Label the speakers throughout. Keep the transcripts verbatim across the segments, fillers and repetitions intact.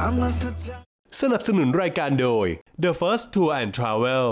Speaker 1: สนับสนุนรายการโดย The First Tour and Travel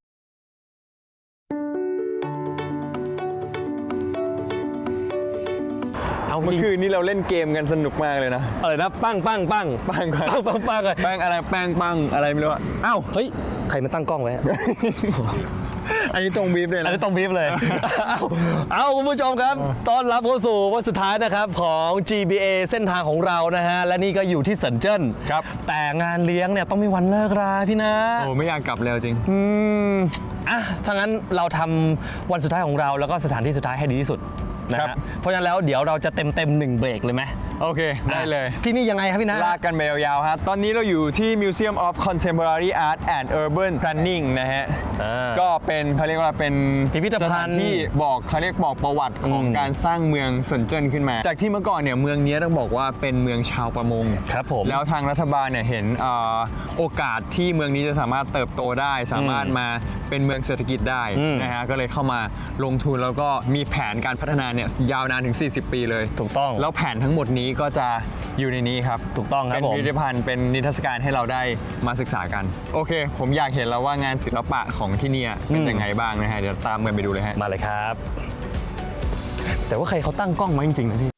Speaker 2: เมื่อคืนนี้เราเล่นเกมกันสนุกมากเลยนะ
Speaker 3: อะไรนะปั้งปั้งปั้ง
Speaker 2: ปังปัง
Speaker 3: ปั้งปั้งปั้ง
Speaker 2: แป้งอะไรแป้งปังอะไรไม่รู้อ่ะอ้าว
Speaker 3: เฮ้ยใครมาตั้งกล้องไว้
Speaker 2: อันนี้ตรงบีฟเลยนะ
Speaker 3: อันนี้ต้องบีบเลย เอาเอาคุณผู้ชมครับต้อนรับเข้าสู่วันสุดท้ายนะครับของ จี บี เอ เส้นทางของเรานะฮะและนี่ก็อยู่ที่เซินเจิ้น
Speaker 2: ครับ
Speaker 3: แต่งานเลี้ยงเนี่ยต้องมีวันเลิกราพี่นะ
Speaker 2: โอ้ไม่อยากกลับแล้วจริง
Speaker 3: อืมอ่ะถ้างั้นเราทำวันสุดท้ายของเราแล้วก็สถานที่สุดท้ายให้ดีที่สุดนะฮะเพราะฉะนั้นแล้วเดี๋ยวเราจะเต็มเต็มหนึ่งเบรกเลยไหม
Speaker 2: โอเคได้เลย
Speaker 3: ที่นี่ยังไงครับพี่นะ
Speaker 2: ลากกันไปยาวๆครับตอนนี้เราอยู่ที่ Museum of Contemporary Art and Urban Planning นะฮะก็เป็นเขาเรียกว่าเป็น
Speaker 3: พิพิธภัณฑ์
Speaker 2: ที่บอกเขาเรียกบอกประวัติของการสร้างเมืองเซินเจิ้นขึ้นมาจากที่เมื่อก่อนเนี่ยเมืองนี้ต้องบอกว่าเป็นเมืองชาวประมง
Speaker 3: ครับผม
Speaker 2: แล้วทางรัฐบาลเนี่ยเห็นโอกาสที่เมืองนี้จะสามารถเติบโตได้สามารถมาเป็นเมืองเศรษฐกิจได้นะฮะก็เลยเข้ามาลงทุนแล้วก็มีแผนการพัฒนาเนี่ยยาวนานถึงสี่สิบปีเลย
Speaker 3: ถูกต้อง
Speaker 2: แล้วแผนทั้งหมดนี้ก็จะอยู่ในนี้ครับ
Speaker 3: ถูกต้องครับ
Speaker 2: เป็นพิพิธภัณฑ์เป็นนิทรรศการให้เราได้มาศึกษากันโอเคผมอยากเห็นแล้วว่างานศิลปะของที่นี่เป็นยังไงบ้างนะฮะเดี๋ยวตามกันไปดูเลยฮะ
Speaker 3: มาเลยครับแต่ว่าใครเขาตั้งกล้องมาจริงๆนะพี่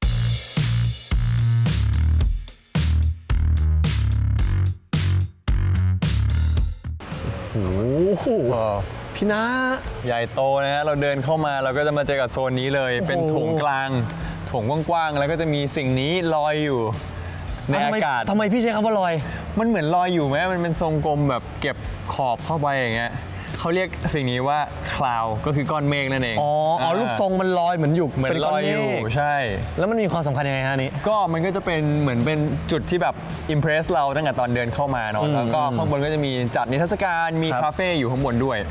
Speaker 3: โอ้โหพี่นะ
Speaker 2: ใหญ่โตนะฮะเราเดินเข้ามาเราก็จะมาเจอกับโซนนี้เลยเป็นโถงกลางโถงกว้างๆแล้วก็จะมีสิ่งนี้ลอยอยู่ในอากาศ
Speaker 3: ทำไมพี่ใช้คำว่าลอย
Speaker 2: มันเหมือนลอยอยู่ไหมมันเป็นทรงกลมแบบเก็บขอบเข้าไปอย่างเงี้ยเขาเรียกสิ่งนี้ว่าคลาวก็คือก้อนเมฆนั่นเอง
Speaker 3: อ๋ออ๋อรูปทรงมันลอยเหมือนอยู่
Speaker 2: เหมือนลอยอยู่ใช่
Speaker 3: แล้วมันมีความสำคัญยังไงฮะนี้
Speaker 2: ก็มันก็จะเป็นเหมือนเป็นจุดที่แบบอิมเพรสเราตั้งแต่ตอนเดินเข้ามาเนาะแล้วก็ข้างบนก็จะมีจัดนิทรรศการมีคาเฟ่อยู่ข้างบนด้วย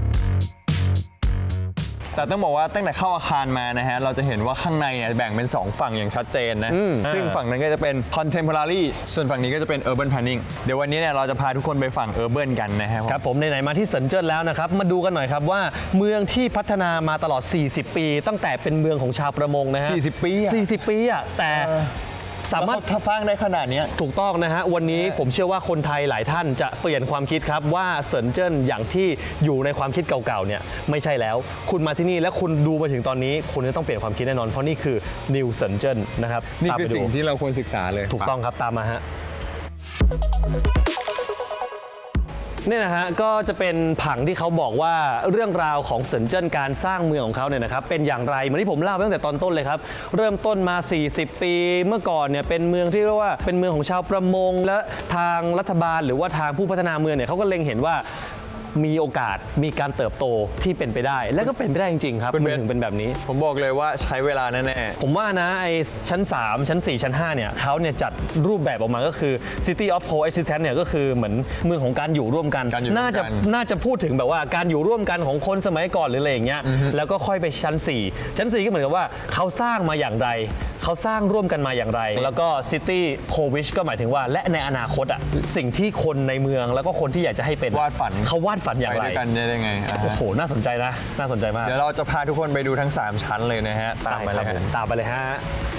Speaker 2: แต่ต้องบอกว่าตั้งแต่เข้าอาคารมานะฮะเราจะเห็นว่าข้างในเนี่ยแบ่งเป็นสองฝั่งอย่างชัดเจนนะซึ่งฝั่งนั้นก็จะเป็น contemporary ส่วนฝั่งนี้ก็จะเป็น urban planning เดี๋ยววันนี้เนี่ยเราจะพาทุกคนไปฝั่ง urban กันนะฮะ
Speaker 3: ครับผมไหนๆมาที่เซินเจิ้นแล้วนะครับมาดูกันหน่อยครับว่าเมืองที่พัฒนามาตลอดสี่สิบปีตั้งแต่เป็นเมืองของชาวประมงนะฮะ
Speaker 2: สี่สิบปี
Speaker 3: สี่สิบปีอ่ะแต่สามารถ
Speaker 2: สร้างได้ขนาดนี้
Speaker 3: ถูกต้องนะฮะวันนี้ผมเชื่อว่าคนไทยหลายท่านจะเปลี่ยนความคิดครับว่าเซินเจิ้นอย่างที่อยู่ในความคิดเก่าๆเนี่ยไม่ใช่แล้วคุณมาที่นี่และคุณดูมาถึงตอนนี้คุณจะต้องเปลี่ยนความคิดแน่นอนเพราะนี่คือ New เซินเจิ้นนะครับ
Speaker 2: นี่คือสิ่งที่เราควรศึกษาเลย
Speaker 3: ถูกต้องครับตามมาฮะนี่นะฮะก็จะเป็นผังที่เขาบอกว่าเรื่องราวของเซินเจิ้นการสร้างเมืองของเขาเนี่ยนะครับเป็นอย่างไรเหมือนที่ผมเล่าไปตั้งแต่ตอนต้นเลยครับเริ่มต้นมาสี่สิบปีเมื่อก่อนเนี่ยเป็นเมืองที่เรียกว่าเป็นเมืองของชาวประมงและทางรัฐบาลหรือว่าทางผู้พัฒนาเมืองเนี่ยเขาก็เล็งเห็นว่ามีโอกาสมีการเติบโตที่เป็นไปได้และก็เป็นไปได้จริงๆครับมันถึงเป็นแบบนี้
Speaker 2: ผมบอกเลยว่าใช้เวลาแน่ๆ
Speaker 3: ผมว่านะไอชั้นสามชั้นสี่ชั้นห้าเนี่ยเขาเนี่ยจัดรูปแบบออกมาก็คือ City of Coexistence เนี่ยก็คือเหมือนเมืองของการอยู่ร่วมกันน่าจะน่าจะพูดถึงแบบว่าการอยู่ร่วมกันของคนสมัยก่อนหรืออะไรอย่างเงี้ยแล้วก็ค่อยไปชั้นสี่ชั้นสี่ก็เหมือนกับว่าเขาสร้างมาอย่างไรเขาสร้างร่วมกันมาอย่างไรแล้วก็ City Co-wish ก็หมายถึงว่าและในอนาคตอ่ะสิ่งที่คนในเมืองแล้วก็คนที่อยากจะให้เป็น
Speaker 2: วาดฝัน
Speaker 3: เขาวาดฝันอย่างไร
Speaker 2: กันได้ไง
Speaker 3: โอ้โหน่าสนใจนะน่าสนใจมาก
Speaker 2: เดี๋ยวเราจะพาทุกคนไปดูทั้งสามชั้นเลยนะฮะ
Speaker 3: ตามไปเลยตามไปเลยฮะ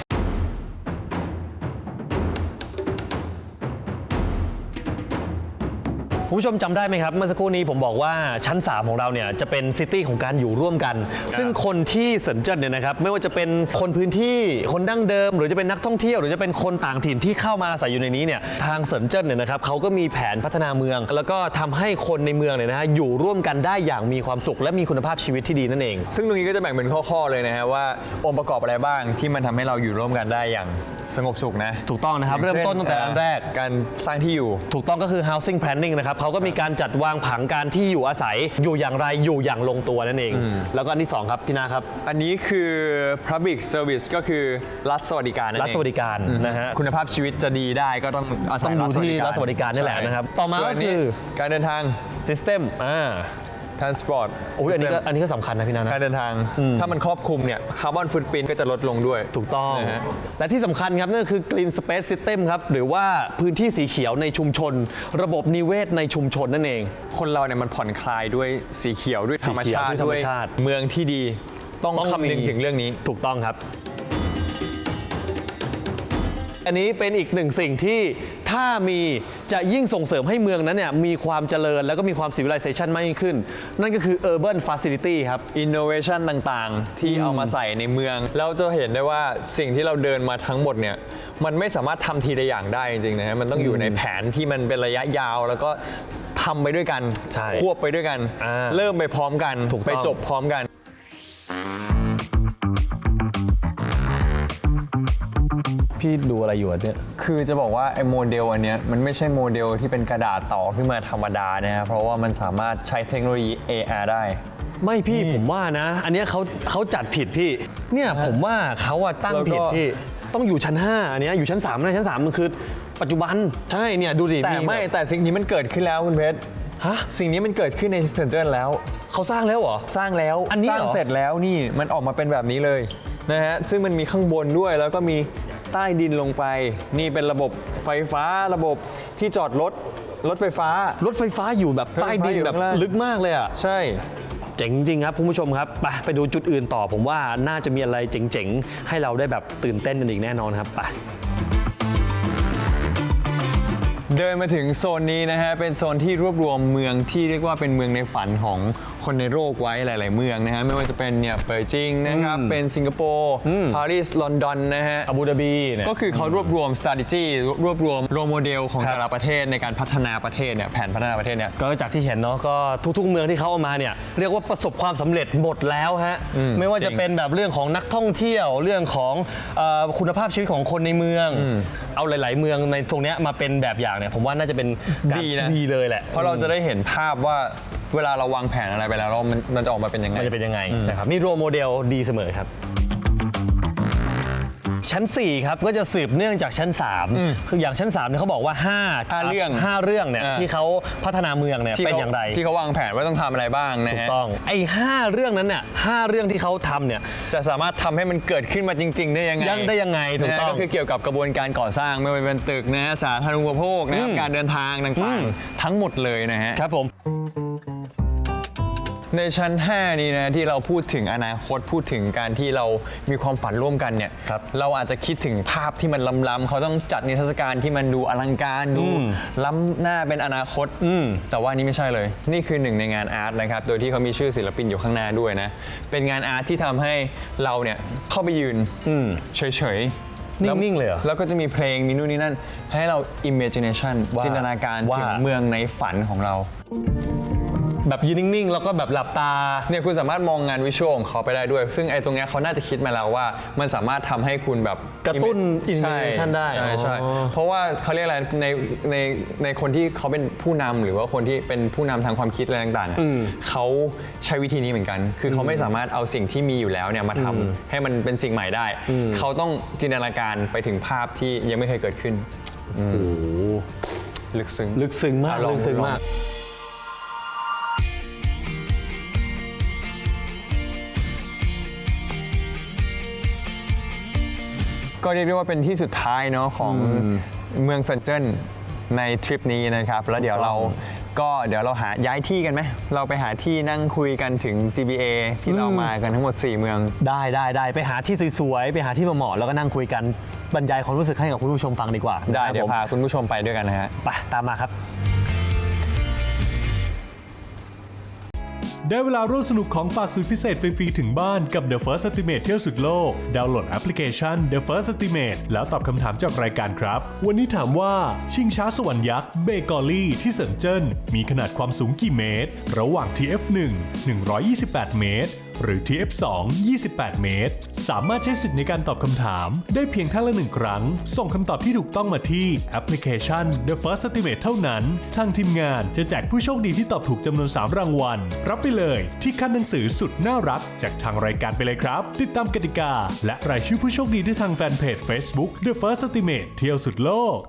Speaker 3: คุณผู้ชมจำได้ไหมครับเมื่อสักครู่นี้ผมบอกว่าชั้นสามของเราเนี่ยจะเป็นซิตี้ของการอยู่ร่วมกันซึ่งคนที่เซินเจิ้นเนี่ยนะครับไม่ว่าจะเป็นคนพื้นที่คนดั้งเดิมหรือจะเป็นนักท่องเที่ยวหรือจะเป็นคนต่างถิ่นที่เข้ามาอาศัยอยู่ในนี้เนี่ยทางเซินเจิ้นเนี่ยนะครับเขาก็มีแผนพัฒนาเมืองแล้วก็ทำให้คนในเมืองเนี่ยนะฮะอยู่ร่วมกันได้อย่างมีความสุขและมีคุณภาพชีวิตที่ดีนั่นเอง
Speaker 2: ซึ่งตรงนี้ก็จะแบ่งเป็นข้อๆเลยนะฮะว่าองค์ประกอบอะไรบ้างที่มันทำให้เราอยู่ร่วมกันได้อย่างสงบสุขนะ
Speaker 3: ถูกต้องนะครับเริ่มต้นตั้งแต่อันแรก
Speaker 2: การสร้างที่อยู่
Speaker 3: ถูกต้องก็คือ housing planning นะครับเขาก็มีการจัดวางผังการที่อยู่อาศัยอยู่อย่างไรอยู่อย่างลงตัวนั่นเองแล้วก็อันที่สองครับพี่นาครับ
Speaker 2: อันนี้คือ public service ก็คือรัฐสวัสดิการนั่นเอง
Speaker 3: รัฐสวัสดิการนะฮะ
Speaker 2: คุณภาพชีวิตจะดีได้ก็ต้อง
Speaker 3: ต้องดูที่รัฐสวัสดิการนี่แหละนะครับต่อมาก็คือ
Speaker 2: การเดินทาง
Speaker 3: system อ่า
Speaker 2: transport
Speaker 3: โอ้ยอันนี้ก็อันนี้ก็สำคัญนะพี่นานะ
Speaker 2: การเดินทางถ้ามันครอบคลุมเนี่ยคาร์บอนฟุตปรินท์ก็จะลดลงด้วย
Speaker 3: ถูกต้องและที่สำคัญครับนั่นคือ green space system ครับหรือว่าพื้นที่สีเขียวในชุมชนระบบนิเวศในชุมชนนั่นเอง
Speaker 2: คนเราเนี่ยมันผ่อนคลายด้วยสีเขียวด้วยธรรมชาติด้วยเมืองที่ดีต้องคำนึงถึงเรื่องนี้
Speaker 3: ถูกต้องครับอันนี้เป็นอีกหนึ่งสิ่งที่ทถ้ามีจะยิ่งส่งเสริมให้เมืองนั้นเนี่ยมีความเจริญแล้วก็มีความ civilization มากยิ่งขึ้นนั่นก็คือ urban facility ครับ
Speaker 2: innovation ต่างๆ ที่เอามาใส่ในเมืองเราจะเห็นได้ว่าสิ่งที่เราเดินมาทั้งหมดเนี่ยมันไม่สามารถทำทีละอย่างได้จริงๆนะฮะมันต้องอยู่ในแผนที่มันเป็นระยะยาวแล้วก็ทำไปด้วยกัน
Speaker 3: ใช่
Speaker 2: ควบไปด้วยกัน
Speaker 3: อ่า
Speaker 2: เริ่มไปพร้อมกัน
Speaker 3: ถูกต้อง
Speaker 2: ไปจบพร้อมกัน
Speaker 3: พี่ดูอะไรอยู่เนี่ย
Speaker 2: คือจะบอกว่าไอ้โมเดลอันเนี้ยมันไม่ใช่โมเดลที่เป็นกระดาษต่อขึ้นมาธรรมดานะครับเพราะว่ามันสามารถใช้เทคโนโลยี เอ อาร์ ได้
Speaker 3: ไม่พี่ผมว่านะ อันเนี้ยเขาเขาจัดผิดพี่เนี่ยผมว่าเขาอะตั้ง
Speaker 2: แล้วก็
Speaker 3: ผิดพี่ต้องอยู่ชั้นห้าอันเนี้ยอยู่ชั้นสามนะชั้นสามมันคือปัจจุบันใช่เนี่ยดูสิ
Speaker 2: แต่ไม่แต่สิ่งนี้มันเกิดขึ้นแล้วคุณเพชร
Speaker 3: ฮะ
Speaker 2: สิ่งนี้มันเกิดขึ้นในเซนเจอร์แล้ว
Speaker 3: เขาสร้างแล้วเหรอ
Speaker 2: สร้างแล้ว
Speaker 3: อันนี้
Speaker 2: สร้าง
Speaker 3: เหรอ
Speaker 2: เสร็จแล้วนี่มันออกมาเป็นแบบนี้เลยนะฮะซึ่งมันมีข้างบนด้วยแล้วก็มีใต้ดินลงไป นี่เป็นระบบไฟฟ้าระบบที่จอดรถรถไฟฟ้าร
Speaker 3: ถไฟฟ้าอยู่แบบใต้ดินแบบลึกมากเลยอะ
Speaker 2: ใช่
Speaker 3: เจ๋งจริงครับคุณผู้ชมครับไปไปดูจุดอื่นต่อผมว่าน่าจะมีอะไรเจ๋งๆให้เราได้แบบตื่นเต้นกันอีกแน่นอนครับไป
Speaker 2: เดินมาถึงโซนนี้นะฮะเป็นโซนที่รวบรวมเมืองที่เรียกว่าเป็นเมืองในฝันของคนในโลกไว้หลาย ๆ เมืองนะฮะไม่ว่าจะเป็นเนี่ยเปอร์จิงนะครับเป็นสิงคโปร์ปารีสลอนดอนนะฮะ
Speaker 3: อาบูดาบีเนี่ย
Speaker 2: ก็คือเขารวบรวม strategy รวบรวมโรโมเดลของ
Speaker 3: ครับ
Speaker 2: แต่ละประเทศในการพัฒนาประเทศเนี่ยแผนพัฒนาประเทศเนี่ย
Speaker 3: ก็จากที่เห็นเนาะก็ทุกๆเมืองที่เขาเอามาเนี่ยเรียกว่าประสบความสำเร็จหมดแล้วฮะไม่ว่า
Speaker 2: จริ
Speaker 3: จะ
Speaker 2: ง
Speaker 3: เป็นแบบเรื่องของนักท่องเที่ยวเรื่องของเอ่อคุณภาพชีวิตของคนในเมือง เอาหลาย ๆ เมืองในตรงเนี้ยมาเป็นแบบอย่างเนี่ยผมว่าน่าจะเป็นการ
Speaker 2: ดีนะ
Speaker 3: ดีเลยแหละ
Speaker 2: เพราะเราจะได้เห็นภาพว่าเวลาเราวางแผนอะไรไปแล้วมันมันจะออกมาเป็นยังไง
Speaker 3: มันจะเป็นยังไงนะครับนี่โรโมเดลดีเสมอครับ ชั้นสี่ครับก็จะสืบเนื่องจากชั้นสามคืออย่างชั้นสามเนี่ยเขาบอกว่าห้า
Speaker 2: ห้าเรื่อง
Speaker 3: ห้าเรื่องเนี่ย
Speaker 2: อ่า
Speaker 3: ที่เขาพัฒนาเมืองเนี่ย
Speaker 2: ที่
Speaker 3: เป็น
Speaker 2: เขา
Speaker 3: อย่างไร
Speaker 2: ที่เขาวางแผนว่าต้องทำอะไรบ้างนะ
Speaker 3: ถูก
Speaker 2: ฮะ
Speaker 3: ต้องไอ้ห้าเรื่องนั้นเนี่ยห้าเรื่องที่เขาทำเนี่ย
Speaker 2: จะสามารถทำให้มันเกิดขึ้นมาจริง ๆ ได้ยังไง
Speaker 3: ยังได้ยังไงถูกต้อง
Speaker 2: นะฮะก็คือเกี่ยวกับกระบวนการก่อสร้างไม่ว่าจะเป็นตึกนะฮะสาธารณูปโภคนะครับการเดินทางต่างๆ ทั้งหมดเลยนะฮะ
Speaker 3: ครับผม
Speaker 2: ในชั้น ห้า นี้นะที่เราพูดถึงอนาคตพูดถึงการที่เรามีความฝันร่วมกันเนี่ย
Speaker 3: ครับ
Speaker 2: เราอาจจะคิดถึงภาพที่มันล้ำๆเขาต้องจัดนิทรรศการที่มันดูอลังการดูล้ำหน้าเป็นอนาคตแต่ว่านี่ไม่ใช่เลย นี่คือหนึ่งในงานอาร์ตนะครับโดยที่เขามีชื่อศิลปินอยู่ข้างหน้าด้วยนะเป็นงานอาร์ตที่ทำให้เราเนี่ยเข้าไปยืนเฉยๆ
Speaker 3: นิ่งๆเลยเหรอ
Speaker 2: แล้วก็จะมีเพลงมีนู่นนี่นั่นให้เรา imagination
Speaker 3: ว่า
Speaker 2: จินตนาการ
Speaker 3: ว่า
Speaker 2: ถึงเมืองในฝันของเรา
Speaker 3: แบบยืนนิ่งๆ แล้วก็แบบหลับตา
Speaker 2: เนี่ยคุณสามารถมองงานวิชวลของเขาไปได้ด้วย ซึ่งไอ้ตรงเนี้ยเขาน่าจะคิดมาแล้วว่ามันสามารถทำให้คุณแบบ
Speaker 3: กระตุ้น
Speaker 2: ใช่
Speaker 3: imagination ได้
Speaker 2: ใช่ใช่
Speaker 3: อ๋อ
Speaker 2: เพราะว่าเขาเรียกอะไรในในในคนที่เขาเป็นผู้นำหรือว่าคนที่เป็นผู้นำทางความคิดอะไรต่างๆอะเขาใช้วิธีนี้เหมือนกัน คือเขาไม่สามารถเอาสิ่งที่มีอยู่แล้วเนี่ยมาทำให้มันเป็นสิ่งใหม่ได้ เขาต้องจินตนาการไปถึงภาพที่ยังไม่เคยเกิดขึ้น
Speaker 3: โอ้โห
Speaker 2: ลึกซึ้ง
Speaker 3: ลึกซึ้งมาก
Speaker 2: อ่ะลอง
Speaker 3: ลึกซึ้ง
Speaker 2: ลอง
Speaker 3: มาก
Speaker 2: ก็เรียกได้ว่าเป็นที่สุดท้ายเนาะของเมืองเซินเจิ้นในทริปนี้นะครับ แล้วเดี๋ยวเราก็เดี๋ยวเราหาย้ายที่กันไหมเราไปหาที่นั่งคุยกันถึง จี บี เอ ที่เรามากันทั้งหมด สี่ เมือง
Speaker 3: ได้ได้ได้ไปหาที่สวยๆ ไปหาที่เหมาะๆแล้วก็นั่งคุยกันบรรยายความรู้สึกให้กับคุณผู้ชมฟังดีกว่า
Speaker 2: ได้
Speaker 3: นะครับ
Speaker 2: เดี๋ยว
Speaker 3: ผม
Speaker 2: พาคุณผู้ชมไปด้วยกันนะฮะ
Speaker 3: ไปตามมาครับ
Speaker 1: ได้เวลาร่วมสนุกของฝากสุดพิเศษฟรีๆถึงบ้านกับ The First Estimate เที่ยวสุดโลก ดาวน์โหลดแอปพลิเคชัน The First Estimate แล้วตอบคำถามจากรายการครับ วันนี้ถามว่าชิงช้าสวรรค์ยักษ์เบกอลี่ที่เซินเจิ้นมีขนาดความสูงกี่เมตร ระหว่าง ที เอฟ หนึ่ง หนึ่งร้อยยี่สิบแปด เมตร หรือ ที เอฟ สอง ยี่สิบแปด เมตร สามารถใช้สิทธิ์ในการตอบคำถามได้เพียงท่านละหนึ่งครั้ง ส่งคำตอบที่ถูกต้องมาที่แอปพลิเคชัน The First Estimate เท่านั้น ทางทีมงานจะแจกผู้โชคดีที่ตอบถูกจำนวน สาม รางวัล รับไปเลยที่คันหนังสือสุดน่ารักจากทางรายการไปเลยครับ ติดตามกติกา และรายชื่อผู้โชคดีได้ทางแฟนเพจ Facebook The First Estimate เที่ยวสุดโลก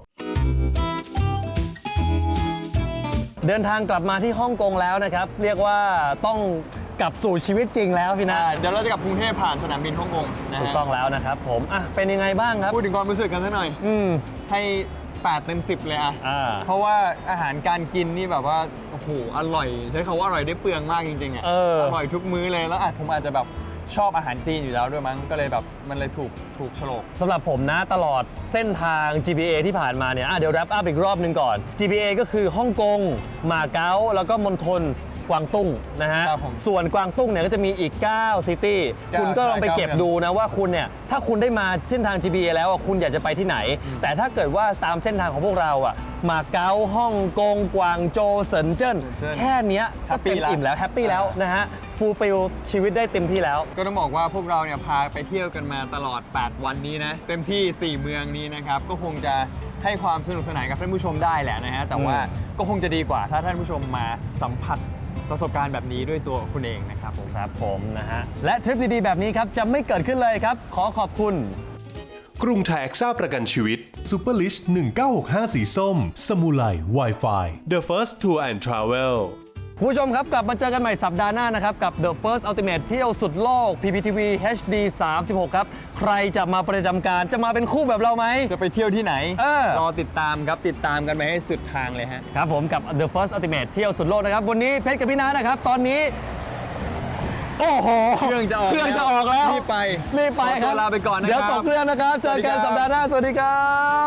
Speaker 3: เดินทางกลับมาที่ฮ่องกงแล้วนะครับ เรียกว่าต้องกลับสู่ชีวิตจริงแล้วพี่นะ
Speaker 2: เดี๋ยวเราจะกลับกรุงเทพผ่านสนามบินฮ่องกงนะฮะ
Speaker 3: ถูกต้องแล้วนะครับผมอ่ะเป็นยังไงบ้างครับ
Speaker 2: พูดถึงความรู้สึกกันสักหน่อย
Speaker 3: อืม
Speaker 2: ให้แปดเต็มสิบเลยอะ
Speaker 3: อ่า
Speaker 2: เพราะว่าอาหารการกินนี่แบบว่าโอ้โหอร่อยใช้คำว่าอร่อยได้เปลืองมากจริงๆอะ
Speaker 3: เออ
Speaker 2: ร่อยทุกมื้อเลยแล้วอาจผมอาจจะแบบชอบอาหารจีนอยู่แล้วด้วยมั้งก็เลยแบบมันเลยถูกถูกโฉลก
Speaker 3: สำหรับผมนะตลอดเส้นทาง จี พี เอ ที่ผ่านมาเนี่ยอ่ะเดี๋ยวแรปอัพอีกรอบหนึ่งก่อน จี พี เอ ก็คือฮ่องกงหมาเก๊าแล้วก็มณฑลกวางตุ้งนะฮะ
Speaker 2: ครับผม
Speaker 3: ส่วนกวางตุ้งเนี่ยก็จะมีอีก9ซิตี้
Speaker 2: เก้า
Speaker 3: คุณก็ลองไปเก็บ
Speaker 2: เก้า
Speaker 3: ดูนะว่าคุณเนี่ยถ้าคุณได้มาเส้นทาง จี พี เอ แล้วอ่ะคุณอยากจะไปที่ไหน แต่ถ้าเกิดว่าตามเส้นทางของพวกเราอ่ะมาเก๊าฮ่องกงกวางโจวเซินเจิ้นแค่เนี้ยก็เต็มอิ่มแล้วแฮปปี้แล้วนะฮะฟูลฟิลชีวิตได้เต็มที่แล้ว
Speaker 2: ก็ต้องบอกว่าพวกเราเนี่ยพาไปเที่ยวกันมาตลอด แปด วันนี้นะ เต็มที่ สี่ เมืองนี้นะครับ ก็คงจะให้ความสนุกสนานกับท่านผู้ชมได้แหละนะฮะ แต่ว่าก็คงจะดีกว่าถ้าท่านผู้ชมมาสัมผัสประสบการณ์แบบนี้ด้วยตัวคุณเองนะครับผม
Speaker 3: ครับผมนะฮะและทริปดีๆแบบนี้ครับจะไม่เกิดขึ้นเลยครับขอขอบคุณ
Speaker 1: กรุงไทยแอคซ่าประกันชีวิต Super Lish หนึ่งเก้าหกห้าสีส้ม สมูไล Wi-Fi The First Tour and Travel
Speaker 3: คุณผู้ชมครับกลับมาเจอกันใหม่สัปดาห์หน้านะครับกับ The First Ultimate เที่ยวสุดโลก พี พี ที วี เอช ดี สามสิบหก ครับ ใครจะมาประจำการจะมาเป็นคู่แบบเราไหม
Speaker 2: จะไปเที่ยวที่ไหน
Speaker 3: เออ
Speaker 2: รอติดตามครับ ติดตามกันไปให้สุดทางเลยฮะ
Speaker 3: ครับผมกับ The First Ultimate เที่ยวสุดโลกนะครับ วันนี้เพชรกับพี่นานะครับ ตอนนี้ โอ้โห
Speaker 2: เครื่องจะออก
Speaker 3: เครื่องจะออกแล้ว
Speaker 2: รีบไป
Speaker 3: รีบไป
Speaker 2: ขอ
Speaker 3: ค
Speaker 2: ตั
Speaker 3: รั
Speaker 2: ว
Speaker 3: บ
Speaker 2: ลาไปก่อนนะครับ
Speaker 3: เดี๋ยวตกเครื่องนะครับ เจอกัน
Speaker 2: สวัสดีครับ
Speaker 3: สัปดาห์หน้า สวัสดีครับ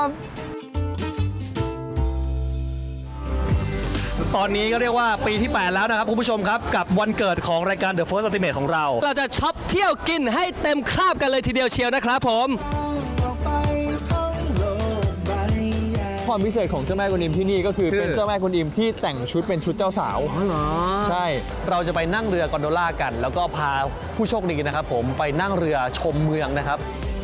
Speaker 3: ตอนนี้ก็เรียกว่าปีที่ แปด แล้วนะครับคุณผู้ชมครับ กับวันเกิดของรายการ The First Ultimate ของเรา
Speaker 4: เราจะช็อปเที่ยวกินให้เต็มคราบกันเลยทีเดียวเชียวนะครับผม
Speaker 2: ความพิเศษของเจ้าแม่กุนอิมที่นี่ก็คือ
Speaker 3: คือ
Speaker 2: เป็นเจ้าแม่กุนอิมที่แต่งชุดเป็นชุดเจ้าสาว
Speaker 3: อ๋อเหรอ
Speaker 2: ใช่
Speaker 3: เราจะไปนั่งเรือกอนโดล่ากัน แล้วก็พาผู้โชคดีนะครับผมไปนั่งเรือชมเมืองนะครับ